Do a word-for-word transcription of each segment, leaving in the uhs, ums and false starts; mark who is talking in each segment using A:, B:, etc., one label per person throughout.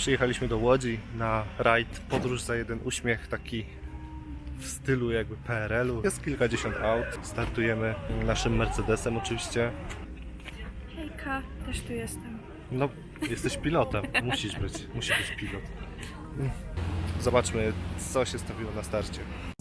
A: Przyjechaliśmy do Łodzi na rajd Podróż za jeden uśmiech, taki w stylu jakby P R L-u. Jest kilkadziesiąt aut. Startujemy naszym Mercedesem oczywiście.
B: Hejka, też tu jestem.
A: No, jesteś pilotem. Musisz być. Musi być pilot. Zobaczmy, co się stawiło na starcie.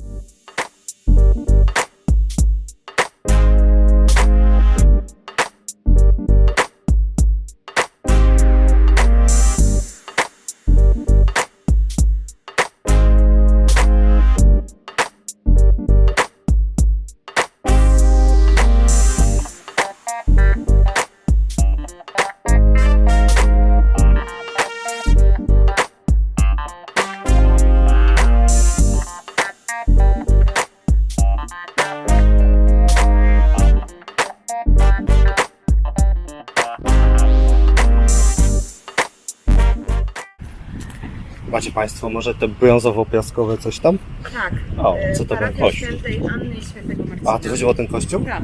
A: Macie Państwo może te brązowo-piaskowe coś tam?
B: Tak.
A: O, co to był kościół?
B: Świętej Anny i Świętego Marcina.
A: A, to chodziło o ten kościół?
B: Tak.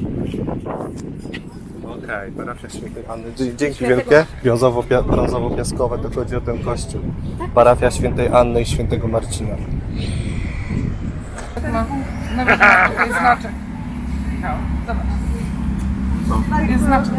A: Okej, okay, parafia Świętej Anny. Dzięki wielkie. Brązowo-pia- brązowo-piaskowe to chodzi o ten kościół. Parafia Świętej Anny i Świętego Marcina.
C: No, no wiadomo, to jest znaczek. No, zobacz. Jest znaczek.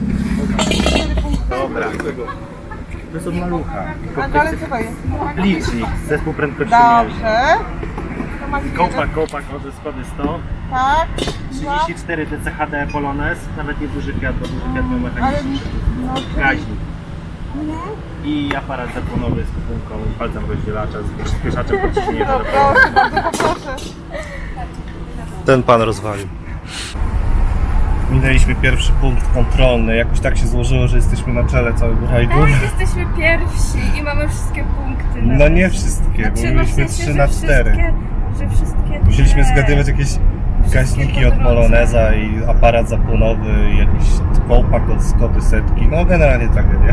D: Dobra. To jest od malucha.
C: A ale co to jest?
D: Licznik, zespół prędkościomierzy.
C: Dobrze. To masz
D: Kołpak, kołpak od Skody sto.
C: Tak.
D: trzydzieści cztery D C H D Polones. Nawet nie duży Fiat, bo duży Fiat miał
C: Ale
D: mechaniczny.
C: no,
D: Gaźnik. I aparat zapłonowy z kupunką, palcem rozdzielacza, z przyspieszaczem pod ciśnieniem.
C: no proszę, bardzo poproszę.
A: Ten pan rozwalił. Minęliśmy pierwszy punkt kontrolny. Jakoś tak się złożyło, że jesteśmy na czele całego rajdu.
B: Tak, jesteśmy pierwsi i mamy wszystkie punkty.
A: No nie wszystkie, bo
B: Znaczy, no w
A: mieliśmy
B: sensie,
A: trzy
B: że
A: na cztery.
B: wszystkie- Że wszystkie
A: Musieliśmy
B: te-
A: zgadywać jakieś gaźniki od Poloneza i aparat zapłonowy i jakiś kołpak od Skody setki. No generalnie tragedia.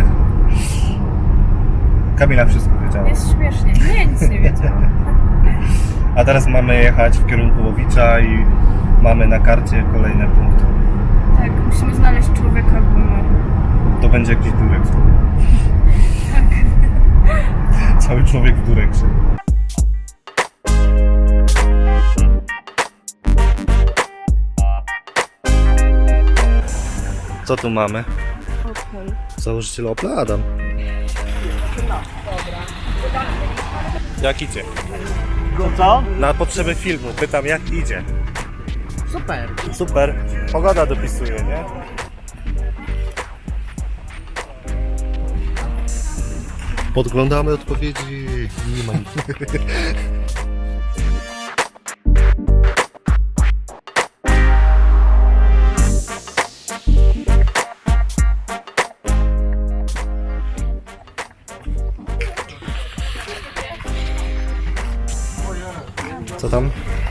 A: Kamila wszystko wiedziała.
B: Jest śmiesznie. Nie, nic nie wiedziałam.
A: A teraz mamy jechać w kierunku Łowicza i mamy na karcie kolejne punkty.
B: Tak, musimy znaleźć człowieka, bo no...
A: To będzie jakiś durek. Cały człowiek w dureksie. Co tu mamy?
B: Opel.
A: Założyciel Opla Adam. Jak idzie?
D: No co?
A: Na potrzeby filmu pytam, jak idzie.
D: Super.
A: Super. Pogoda dopisuje, nie? Podglądamy odpowiedzi. Nie ma nic. Co tam?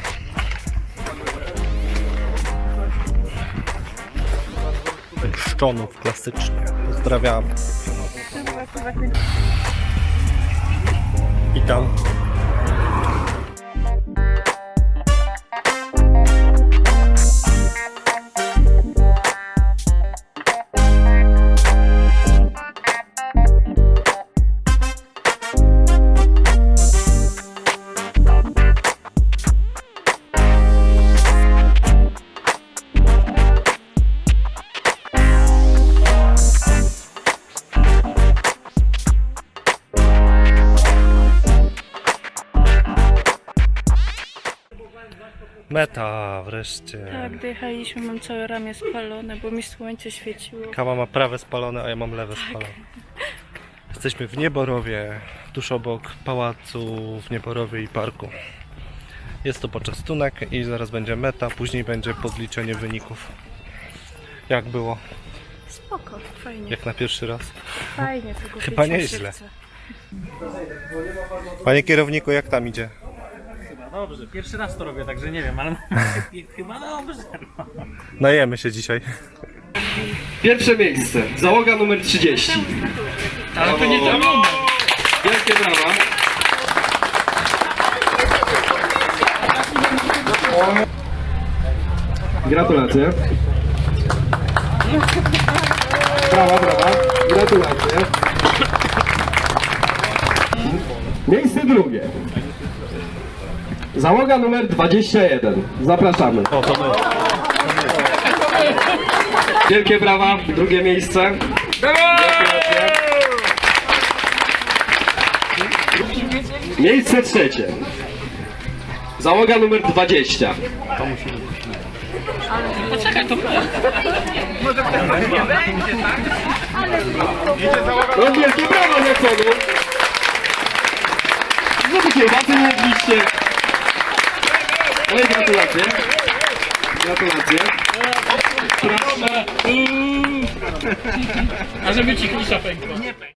A: Szczonów klasycznie. Pozdrawiam. Witam. Meta wreszcie.
B: Tak, dojechaliśmy, mam całe ramię spalone, bo mi słońce świeciło.
A: Kama ma prawe spalone, a ja mam lewe spalone. Jesteśmy w Nieborowie, tuż obok pałacu w Nieborowie i parku. Jest to poczęstunek i zaraz będzie meta, później będzie podliczenie wyników. Jak było?
B: Spoko, fajnie.
A: Jak na pierwszy raz?
B: Fajnie, tylko
A: Chyba
B: pić mi się
A: nieźle.
B: chce.
A: Panie kierowniku, jak tam idzie?
D: Chyba dobrze. Pierwszy raz to robię, także nie wiem, ale chyba dobrze. No.
A: Najemy się dzisiaj.
E: Pierwsze miejsce, załoga numer trzydzieści.
D: Ale to nie to.
E: Wielkie brawa. Gratulacje. Brawa, brawa. Gratulacje. Miejsce drugie. Załoga numer dwadzieścia jeden. Zapraszamy.
A: O, to my.
E: Wielkie brawa, drugie miejsce. Gratulacje. Miejsce trzecie. Załoga numer dwadzieścia. No wielkie brawa dla przodu. No to kiełbasy nie jedliście. No i gratulacje. Gratulacje. Proszę.
F: A żeby ci klisza pękła.